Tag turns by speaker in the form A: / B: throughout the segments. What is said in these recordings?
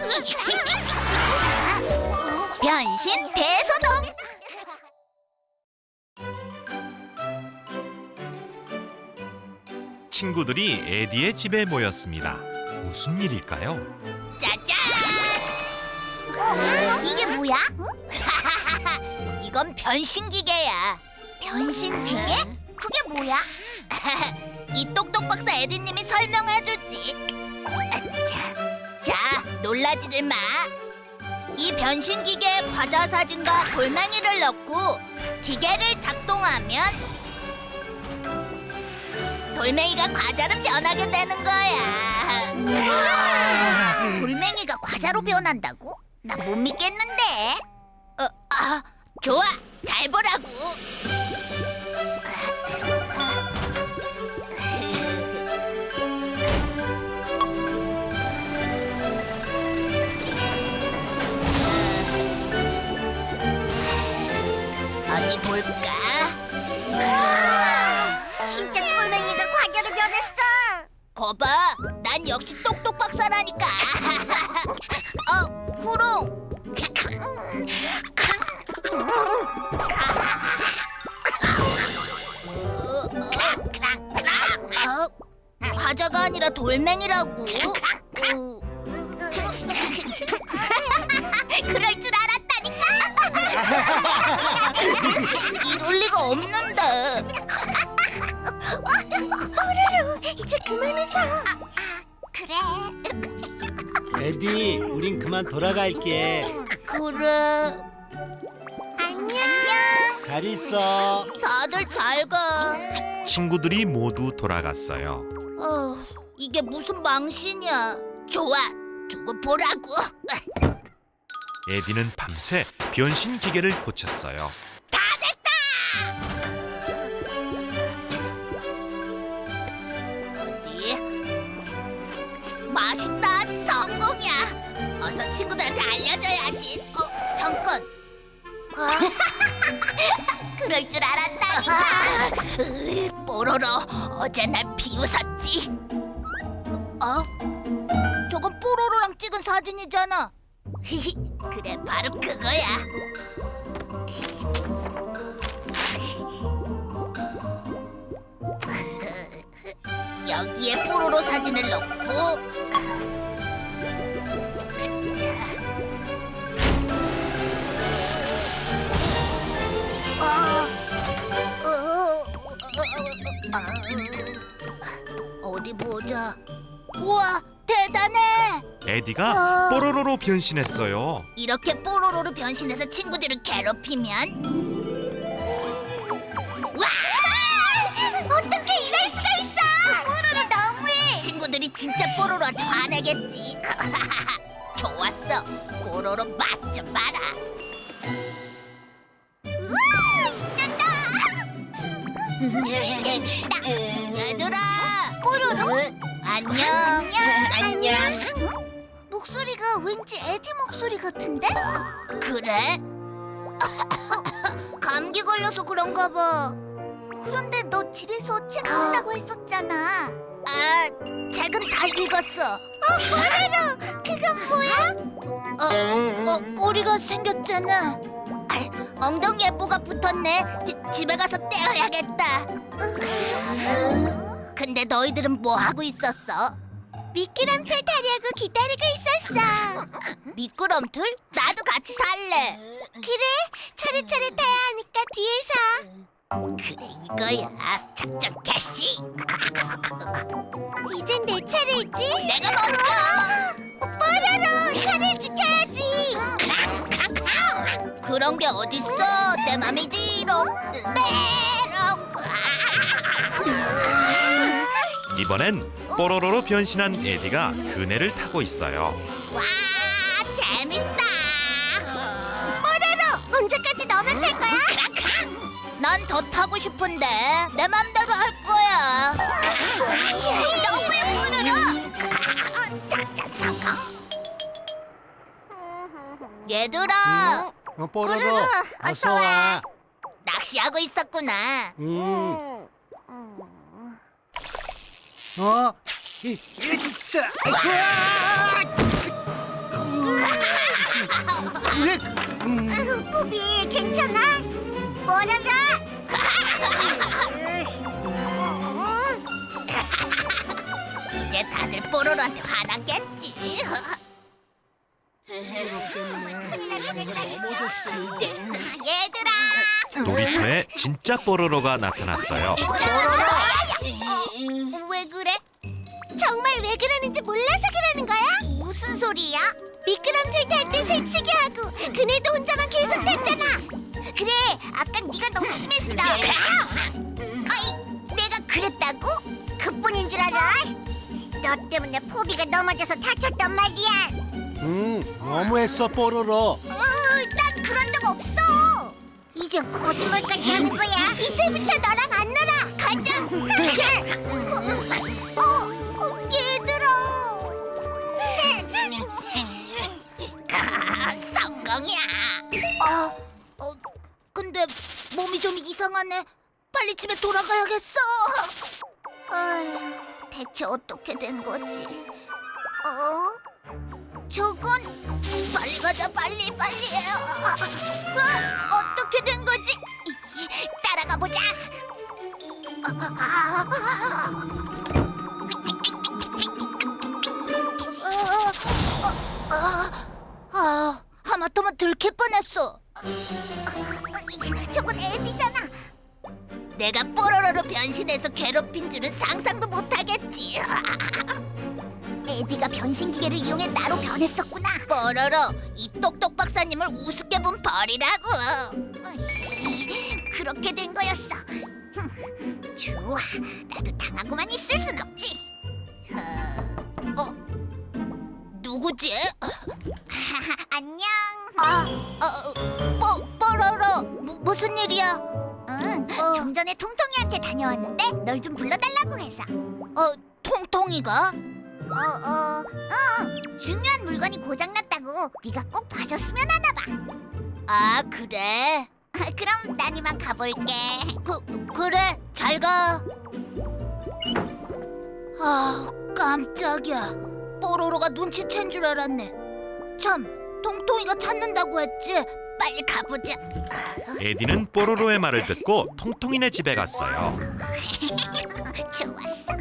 A: 변신 대소동.
B: 친구들이 에디의 집에 모였습니다. 무슨 일일까요?
A: 짜잔! 이게 뭐야? 이건 변신기계야. 변신기계? 그게 뭐야? 이 똑똑 박사 에디님이 설명해주지. 자, 놀라지를 마. 이 변신기계에 과자 사진과 돌멩이를 넣고 기계를 작동하면 돌멩이가 과자로 변하게 되는 거야. 돌멩이가 과자로 변한다고? 나 못 믿겠는데. 좋아, 잘 보라고. 어디 볼까? 진짜 돌멩이가 과자로 변했어. 거봐, 난 역시 똑똑 박사라니까. 구롱. 과자가 아니라 돌멩이라고. 그럴 줄 알았다니까. 이럴 리가 없는데. 뽀로로, 이제 그만 웃어. 그래.
C: 에디, 우린 그만 돌아갈게.
A: 그래. 안녕.
C: 잘 있어.
A: 다들 잘 가.
B: 친구들이 모두 돌아갔어요.
A: 이게 무슨 망신이야. 좋아, 두고 보라고.
B: 에디는 밤새 변신 기계를 고쳤어요.
A: 다 됐다. 어디? 맛있다, 성공이야. 어서 친구들한테 알려줘야지. 잠깐. 그럴 줄 알았다니까. 뽀로로, 어제 날 비웃었지. 저건 뽀로로랑 찍은 사진이잖아. 그래, 바로 그거야. 여기에 뽀로로 사진을 넣고 어디 보자. 우와, 대단해.
B: 에디가 뽀로로로 변신했어요.
A: 이렇게 뽀로로로 변신해서 친구들을 괴롭히면 와! 어떻게 이럴 수가 있어! 뽀로로 너무해! 친구들이 진짜 뽀로로한테 화내겠지. 좋았어. 뽀로로 맛 좀 봐라. 우와! 신난다! 재밌다. 얘들아! 뽀로로? 안녕. 안녕. 목소리가 왠지 에디 목소리 같은데? 그래? 감기 걸려서 그런가 봐. 그런데 너 집에서 책 읽는다고 했었잖아. 책은 다 읽었어. 뽀로로, 그건 뭐야? 꼬리가 생겼잖아. 엉덩이에 뭐가 붙었네. 집에 가서 떼어야겠다. 근데 너희들은 뭐 하고 있었어? 미끄럼틀 타려고 기다리고 있었어. 미끄럼틀? 나도 같이 탈래. 그래, 차례차례 타야 하니까 뒤에서. 그래, 이거야. 작전 개시. 이젠 내 차례지? 내가 먼저. 뽀로로, 차례 지켜야지. 그런 게 어딨어? 내 맘이지롱. 메롱.
B: 이번엔 뽀로로로 변신한 에디가 그네를 타고 있어요.
A: 와, 재밌다. 뽀로로, 언제까지 너만 탈 거야? 난 더 타고 싶은데 내 맘대로 할 거야. 너무해, 뽀로로. 작전 성공. 얘들아,
C: 뽀로로, 어서 와.
A: 낚시하고 있었구나.
C: 자,
A: 뽀비 괜찮아? 뭐라가? 이제 다들 뽀로로한테 화났겠지. 얘들아.
B: 놀이터에 진짜 뽀로로가 나타났어요.
A: 왜 그래? 정말 왜 그러는지 몰라서 그러는 거야? 무슨 소리야? 미끄럼틀 탈 때 새치기 하고 그네도 혼자만 계속 탔잖아. 그래, 아까 네가 너무 심했어. 아이, 내가 그랬다고? 그뿐인 줄 알아? 너 때문에 포비가 넘어져서 다쳤단 말이야.
C: 너무했어 뽀로로.
A: 난 그런 적 없어. 이젠 거짓말까지 하는 거야. 이제부터 너랑 안 놀아. 가자. 얘들아. 성공이야. 근데 몸이 좀 이상하네. 빨리 집에 돌아가야겠어. 대체 어떻게 된 거지? 저건 빨리 가자, 빨리. 어떻게 된 거지? 따라가 보자. 하마터면 들킬 뻔했어. 저건 에디잖아. 내가 뽀로로로 변신해서 괴롭힌 줄은 상상도 못하겠지. 에디가 변신 기계를 이용해 나로 변했었구나. 뽀로로, 이 똑똑 박사님을 우습게 본 벌이라고. 그렇게 된 거였어. 좋아, 나도 당하고만 있을 순 없지. 누구지? 안녕. 뽀로로, 무슨 일이야? 좀 전에 통통이한테 다녀왔는데 널 좀 불러달라고 해서. 통통이가? 중요한 물건이 고장났다고 네가 꼭 봐줬으면 하나 봐. 아, 그래? 그럼 난 이만 가볼게. 그래, 잘 가. 깜짝이야. 뽀로로가 눈치챈 줄 알았네. 참, 통통이가 찾는다고 했지. 빨리 가보자.
B: 에디는 뽀로로의 말을 듣고 통통이네 집에 갔어요.
A: 좋았어.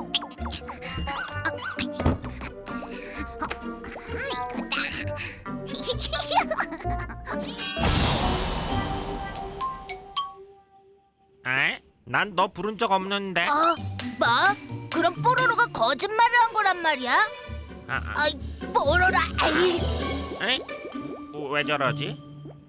B: 에? 난 너 부른 적 없는데.
A: 뭐? 그럼 뽀로로가 거짓말을 한 거란 말이야? 아이, 뽀로로. 아이.
B: 에? 왜 저러지?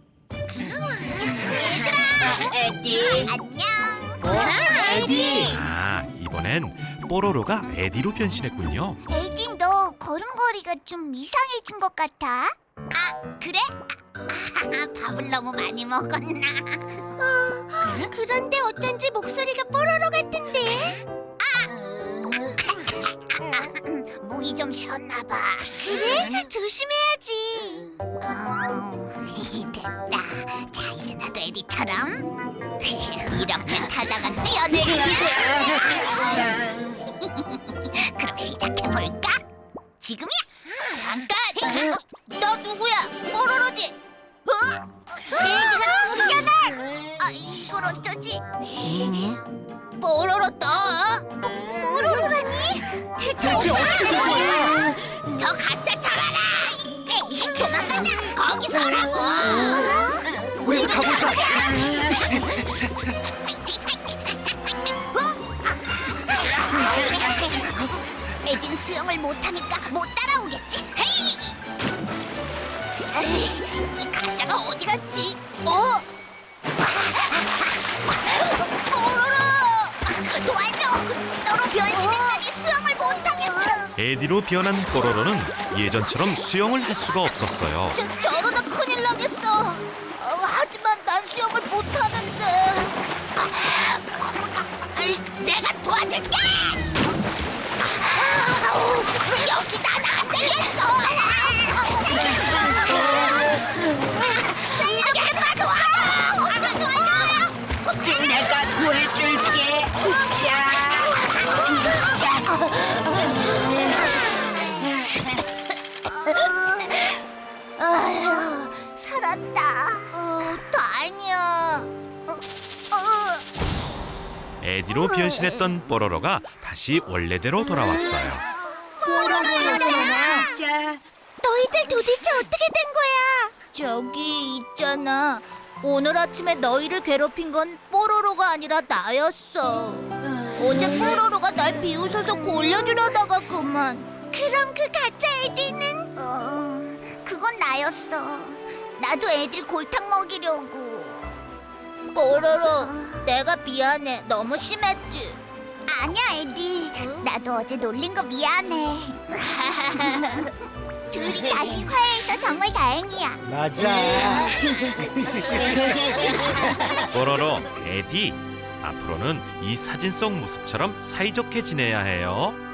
A: 에디. 안녕.
C: 에디.
B: 아, 이번엔 뽀로로가 에디로 변신했군요.
A: 에디, 너 걸음걸이가 좀 이상해진 것 같아. 그래? 밥을 너무 많이 먹었나? 그런데 어쩐지 목소리가 뽀로로 같은데? 목이 좀 쉬었나 봐. 그래? 조심해야지. 됐다. 자, 이제 나도 에디처럼 이렇게 타다가 뛰어내리자. 그럼 시작해볼까? 지금이야. 잠깐. 너 누구야? 뽀로로지? 에디가 누구잖아. 이걸 어쩌지? 뽀로로 또? 뽀로로라니? 대체 어떻게 된 거야? 저 가짜 잡아라! 에이, 도망가자! 거기서라고!
C: 우리 가보자.
A: 에딘 수영을 못하니까 못 따라오겠지? 헤이! 에이, 이 가짜가 어디 갔지? 뽀로로! 도와줘! 너로 변신했더니 수영을 못하겠어!
B: 에디로 변한 뽀로로는 예전처럼 수영을 할 수가 없었어요.
A: 저러다 큰일 나겠어. 하지만 난 수영을 못하는데. 내가 도와줄게. 역시 나는 안 되겠어. 이렇게 도와줘.
D: 내가 구해줄게.
A: 아휴,
B: 에디로 변신했던 뽀로로가 다시 원래대로 돌아왔어요.
A: 뽀로로였잖아.
D: 진짜.
A: 너희들 도대체 어떻게 된 거야? 저기 있잖아. 오늘 아침에 너희를 괴롭힌 건 뽀로로가 아니라 나였어. 어제 뽀로로가 날 비웃어서 골려주려다가 그만. 그럼 그 가짜 에디는? 그건 나였어. 나도 애들 골탕 먹이려고. 뽀로로, 내가 미안해. 너무 심했지? 아니야, 에디. 나도 어제 놀린 거 미안해. 둘이 다시 화해해서 정말 다행이야.
C: 맞아.
B: 뽀로로, 에디, 앞으로는 이 사진 속 모습처럼 사이좋게 지내야 해요.